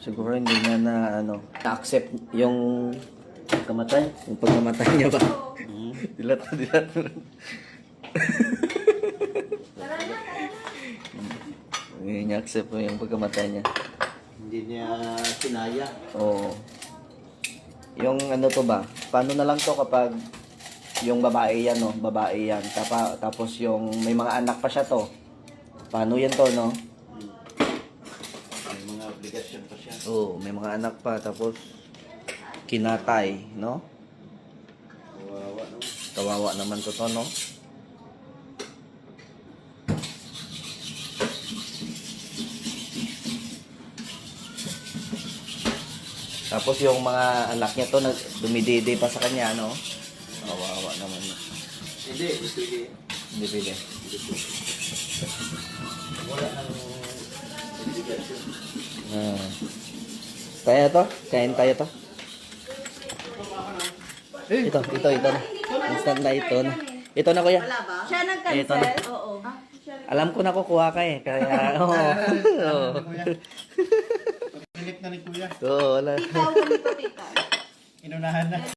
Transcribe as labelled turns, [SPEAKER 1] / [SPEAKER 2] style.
[SPEAKER 1] Siguro hindi niya na na-accept yung pagkamatay niya ba? Dilat. Hindi niya accept yung pagkamatay niya.
[SPEAKER 2] Hindi niya kinaya.
[SPEAKER 1] Oo. Yung to ba? Paano na lang to kapag yung babae yan, no? Babae yan. Tapos yung may mga anak pa siya to. Paano yan to, no?
[SPEAKER 2] May mga obligasyon pa siya.
[SPEAKER 1] Oo, may mga anak pa. Tapos kinatay, no?
[SPEAKER 2] Kawawa no?
[SPEAKER 1] Kawawa naman to, no? Tapos yung mga anak niya to, dumididi pa sa kanya, no? Kawawa naman.
[SPEAKER 2] Hindi, hindi.
[SPEAKER 1] Hindi pwede.
[SPEAKER 2] Wala nang obligasyon.
[SPEAKER 1] Kaya to? Kain tayo to? Ito na. Instant na ito na. Ito na, kuya.
[SPEAKER 3] Siya
[SPEAKER 1] Ito na.
[SPEAKER 3] nag-cancel? Oo.
[SPEAKER 1] Alam ko na kukuha ka eh. Kaya, oo.
[SPEAKER 2] Pilit na ni Kuya.
[SPEAKER 1] Oo, wala.
[SPEAKER 3] Ikaw, ganito, tita.
[SPEAKER 2] Inunahan na.